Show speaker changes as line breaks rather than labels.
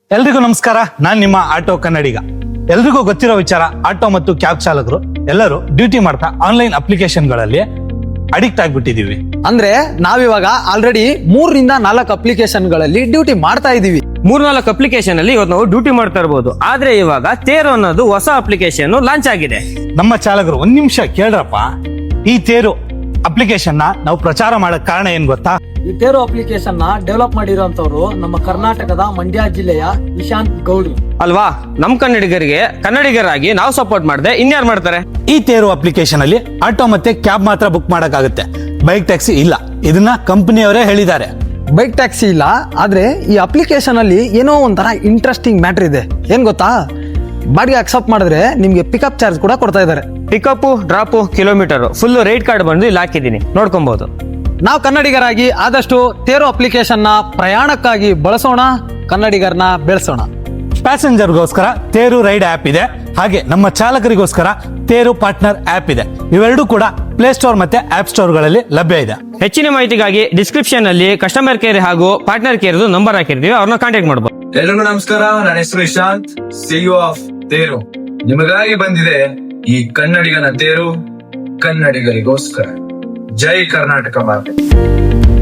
ಎಲ್ರಿಗೂ ನಮಸ್ಕಾರ. ನಾನ್ ನಿಮ್ಮ ಆಟೋ ಕನ್ನಡಿಗ. ಎಲ್ರಿಗೂ ಗೊತ್ತಿರೋ ವಿಚಾರ, ಆಟೋ ಮತ್ತು ಕ್ಯಾಬ್ ಚಾಲಕರು ಎಲ್ಲರೂ ಡ್ಯೂಟಿ ಮಾಡ್ತಾ ಆನ್ಲೈನ್ ಅಪ್ಲಿಕೇಶನ್ಗಳಲ್ಲಿ ಅಡಿಕ್ಟ್ ಆಗ್ಬಿಟ್ಟಿದೀವಿ.
ಅಂದ್ರೆ ನಾವಿವಾಗ ಆಲ್ರೆಡಿ 3-4 ಅಪ್ಲಿಕೇಶನ್ಗಳಲ್ಲಿ ಡ್ಯೂಟಿ ಮಾಡ್ತಾ ಇದೀವಿ.
3-4 ಅಪ್ಲಿಕೇಶನ್ ಅಲ್ಲಿ ಇವತ್ತು ನಾವು ಡ್ಯೂಟಿ ಮಾಡ್ತಾ ಇರಬಹುದು. ಆದ್ರೆ ಇವಾಗ ತೇರು ಅನ್ನೋದು ಹೊಸ ಅಪ್ಲಿಕೇಶನ್ ಲಾಂಚ್ ಆಗಿದೆ.
ನಮ್ಮ ಚಾಲಕರು ಒಂದ್ ನಿಮಿಷ ಕೇಳ್ರಪ್ಪ. ಈ ತೇರು ಅಪ್ಲಿಕೇಶನ್ ನಾವು ಪ್ರಚಾರ ಮಾಡಕ್ ಕಾರಣ ಏನ್ ಗೊತ್ತಾ?
ಈ ತೇರು ಅಪ್ಲಿಕೇಶನ್ ನ ಡೆವಲಪ್ ಮಾಡಿರುವಂತವ್ರು ನಮ್ಮ ಕರ್ನಾಟಕದ ಮಂಡ್ಯ ಜಿಲ್ಲೆಯ ನಿಶಾಂತ್ ಗೌಡ್ರು
ಅಲ್ವಾ? ನಮ್ ಕನ್ನಡಿಗರಾಗಿ ನಾವು ಸಪೋರ್ಟ್ ಮಾಡದೆ ಇನ್ಯಾರು ಮಾಡ್ತಾರೆ?
ಈ ತೇರು ಅಪ್ಲಿಕೇಶನ್ ಅಲ್ಲಿ ಆಟೋ ಮತ್ತೆ ಕ್ಯಾಬ್ ಮಾತ್ರ ಬುಕ್ ಮಾಡಕ್ಕಾಗುತ್ತೆ, ಬೈಕ್ ಟ್ಯಾಕ್ಸಿ ಇಲ್ಲ. ಇದನ್ನ ಕಂಪನಿಯವರೇ ಹೇಳಿದ್ದಾರೆ.
ಬೈಕ್ ಟ್ಯಾಕ್ಸಿ ಇಲ್ಲ, ಆದ್ರೆ ಈ ಅಪ್ಲಿಕೇಶನ್ ಅಲ್ಲಿ ಏನೋ ಒಂಥರ ಇಂಟ್ರೆಸ್ಟಿಂಗ್ ಮ್ಯಾಟರ್ ಇದೆ. ಏನ್ ಗೊತ್ತಾ? ಬಾಡಿಗೆ ಅಕ್ಸೆಪ್ಟ್ ಮಾಡಿದ್ರೆ ನಿಮ್ಗೆ ಪಿಕಪ್ ಚಾರ್ಜ್ ಕೂಡ ಕೊಡ್ತಾ ಇದ್ದಾರೆ.
Pickup, drop, kilometre full rate card ಬಂದು ಇಲ್ಲಿ ಹಾಕಿದೀನಿ, ನೋಡ್ಕೊಬಹುದು.
ನಾವು ಕನ್ನಡಿಗರಾಗಿ ಆದಷ್ಟು ತೇರು ಅಪ್ಲಿಕೇಶನ್ ನ ಪ್ರಯಾಣಕ್ಕಾಗಿ ಬಳಸೋಣ, ಕನ್ನಡಿಗರನ್ನ ಬೆಳೆಸೋಣ.
ಪ್ಯಾಸೆಂಜರ್ಗೋಸ್ಕರ ತೇರು ರೈಡ್ ಆಪ್ ಇದೆ, ಹಾಗೆ ನಮ್ಮ ಚಾಲಕರಿಗೋಸ್ಕರ ತೇರು ಪಾರ್ಟ್ನರ್ ಆಪ್ ಇದೆ. ಇವೆರಡೂ ಕೂಡ ಪ್ಲೇ ಸ್ಟೋರ್ ಮತ್ತೆ ಆಪ್ ಸ್ಟೋರ್ ಗಳಲ್ಲಿ ಲಭ್ಯ ಇದೆ.
ಹೆಚ್ಚಿನ ಮಾಹಿತಿಗಾಗಿ ಡಿಸ್ಕ್ರಿಪ್ಷನ್ ಅಲ್ಲಿ ಕಸ್ಟಮರ್ ಕೇರ್ ಹಾಗೂ ಪಾರ್ಟ್ನರ್ ಕೇರ್ ನಂಬರ್ ಹಾಕಿರ್ತೀವಿ, ಅವ್ರನ್ನ ಕಾಂಟ್ಯಾಕ್ಟ್ ಮಾಡಬಹುದು.
ಎಲ್ರಿಗೂ ನಮಸ್ಕಾರ. ನನ್ನ ಹೆಸರು ಇಶಾಂತ್, ಸಿಇಒ ಆಫ್ ತೇರು. ನಿಮಗಾಗಿ ಬಂದಿದೆ ಈ ಕನ್ನಡಿಗನ ತೇರು, ಕನ್ನಡಿಗರಿಗೋಸ್ಕರ. ಜೈ ಕರ್ನಾಟಕ ಮಾತೆ.